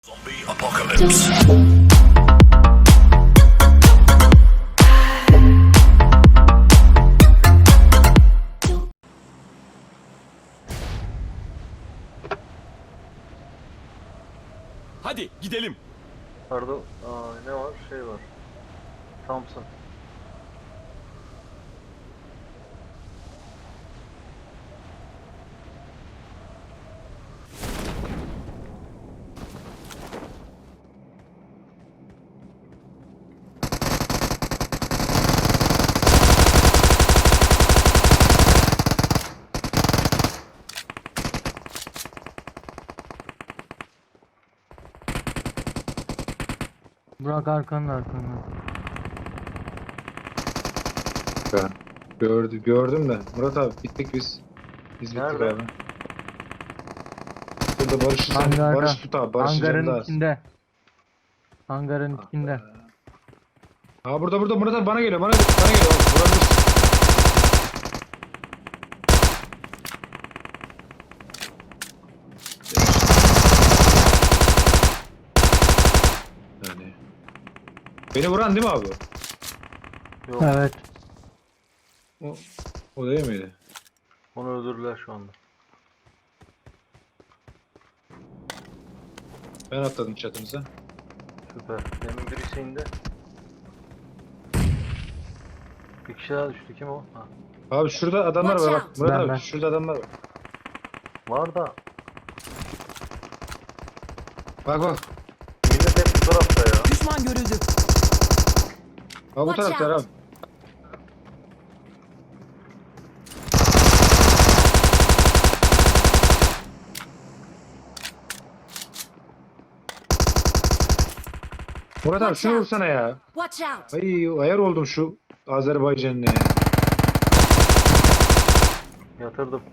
Zombie apocalypse. Hadi gidelim. Pardon. Ne var? Şey var. Thompson. Burak arkanda. Gördüm de. Murat abi bittik biz. Biz bittik Nerede? abi. Burada Barış'ı sen. Hangarda. Barış tut abi. Barış'ın canı Hangarın da az. içinde. Hangarın içinde. Ha burada Murat abi bana geliyor. Bana geliyor. Vurabilirsin. Yani. Beni vuran değil mi abi? Yok. Evet. O değil miydi? Onu öldürdüler şu anda. Ben atladım çatınıza. Süper. Demin birisi indi. Bir kişi daha düştü. Kim o? Ha. Abi şurada adamlar var bak. Murat abi Ben. şurada adamlar var. Var da. Bak. Millet hep bu tarafta ya. Düşman görüldü. Ha bu Watch taraftar out. abi. Murat abi Watch şunu out. vursana ya. Watch out. Ay ayar oldum şu Azerbaycan'ın ya. Yatırdım.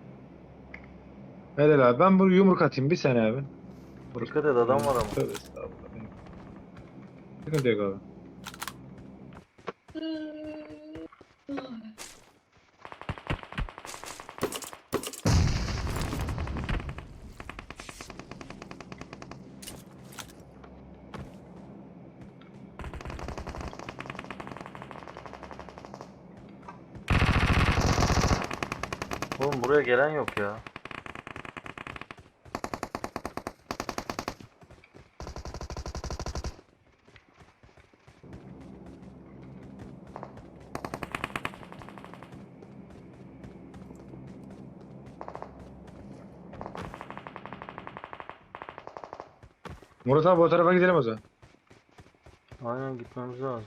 Helal abi ben bu yumruk atayım bir sene abi. Dikkat et, adam var ama. Tövbe estağfurullah. Sıkıntı yok abi. Oğlum buraya gelen yok ya. Murat abi o tarafa gidelim o zaman. Aynen, gitmemiz lazım.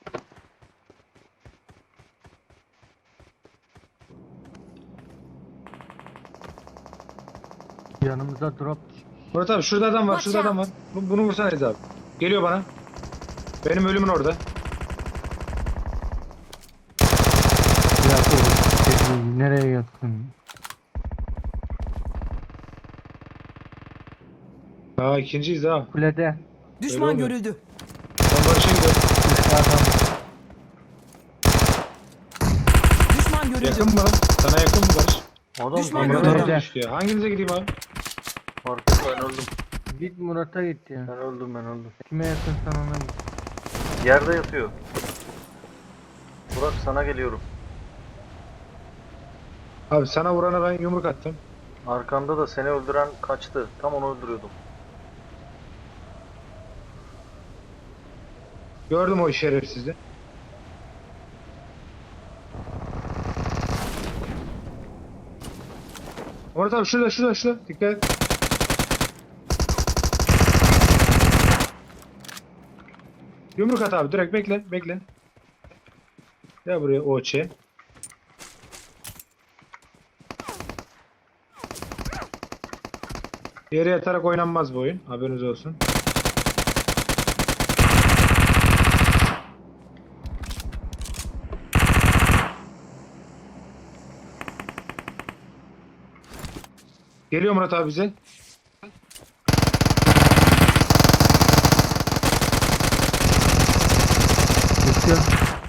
Yanımıza drop. Murat abi şurada adam var, şurada adam var. Bunu vursana Ez abi. Geliyor bana. Benim ölümün orada. Yakın. Nereye yakın? Aa ikinciyiz ha. Kulede. Düşman oluyor. görüldü. Ben Barış'a gidiyorum. Kulede adam. Düşman görüldü. Yakın mı lan? Sana yakın mı Barış? Adam Düşman geliyor. Murat görüldü. adam düştü ya. Hanginize gideyim abi? Fark et, ben öldüm. Git Murat'a git ya. Ben öldüm. Kime yakınsan ona git. Yerde yatıyor. Burak, sana geliyorum. Abi sana vurana ben yumruk attım. Arkanda da seni öldüren kaçtı. Tam onu öldürüyordum. Gördüm o şerefsizi. Murat abi şurada. Dikkat et. Yumruk at abi direkt bekle. Gel buraya OÇ. Yere yatarak oynanmaz bu oyun. Haberiniz olsun. Geliyor Murat abi bize. Geçiyor.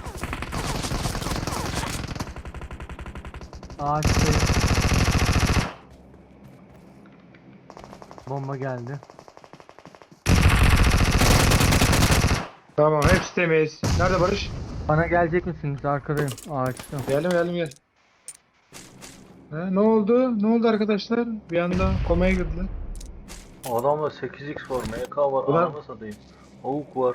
Ağaçtayım. Bomba geldi. Tamam hepsi temiz. Nerede Barış? Bana gelecek misiniz? Arkadayım. Ağaçta. Geldim. Ne oldu? Ne oldu arkadaşlar? Bir anda komaya girdiler. Adamda 8x var, MK var, Ulan- ananı satayım. Avuk var.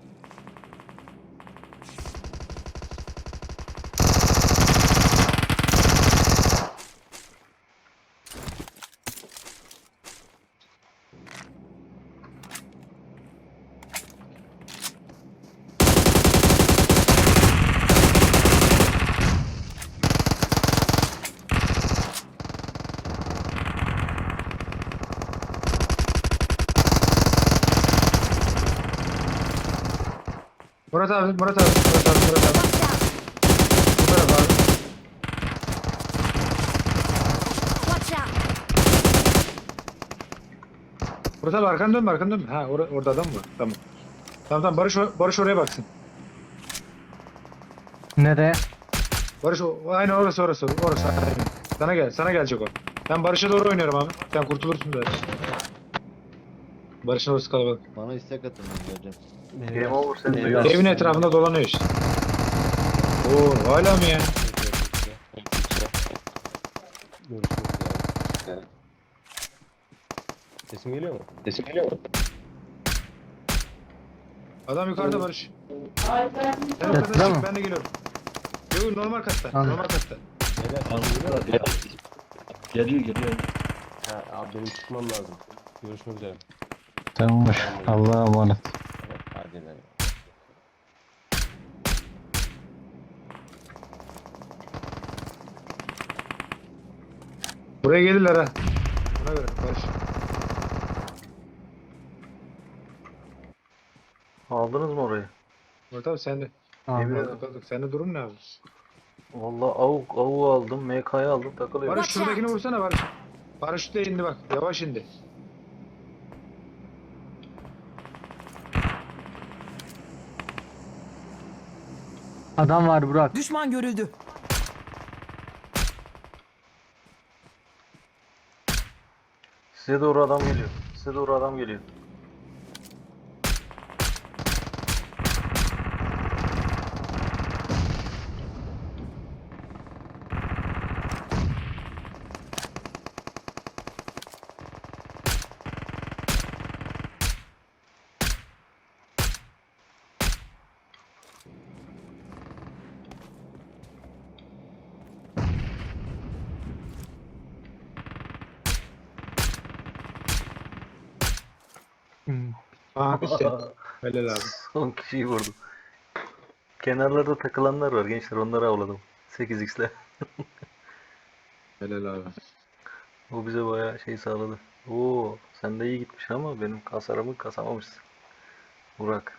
Murat abi. Bu taraf abi. Watch out! Murat abi arkanı dönme. Ha orada adam var. Tamam Barış oraya baksın. Nereye? Barış aynen orası. Aynen. Sana gelecek o. Ben Barış'a doğru oynuyorum abi. Sen kurtulursun zaten. Barış'ın orası kalabalık. Bana istek atın ben geleceğim. Game over sen de Eyvah. gel. Evin etrafında dolanıyor işte. Oo hala mı ya? Sesim geliyor mu? Adam yukarıda Barış. Sen Yatıda yukarıda mı? çık ben de geliyorum. Yok normal katta. Tamam. Normal katta. Geliyor. Ha, abi benim çıkmam lazım. Görüşmek üzere. Tamamdır. Allah'a emanet. Hadi lan. Buraya gelirler ha. Buna göre Barış. Aldınız mı orayı? Murat abi sen de. Abi. Kaldık. Senin durum ne abi? Vallahi avuğu aldım, MK'yı aldım, takılıyorum. Barış şuradakini vursana Barış. Paraşütle indi bak. Yavaş indi. Adam var Burak. Düşman görüldü. Size doğru adam geliyor. Hmm. Aha bitti. Helal abi. Son kişiyi vurdum. Kenarlarda takılanlar var gençler, onları avladım. 8x'le. Helal abi. O bize bayağı şey sağladı. Oo, sen de iyi gitmiş ama benim kasarımı kasamamışsın. Burak.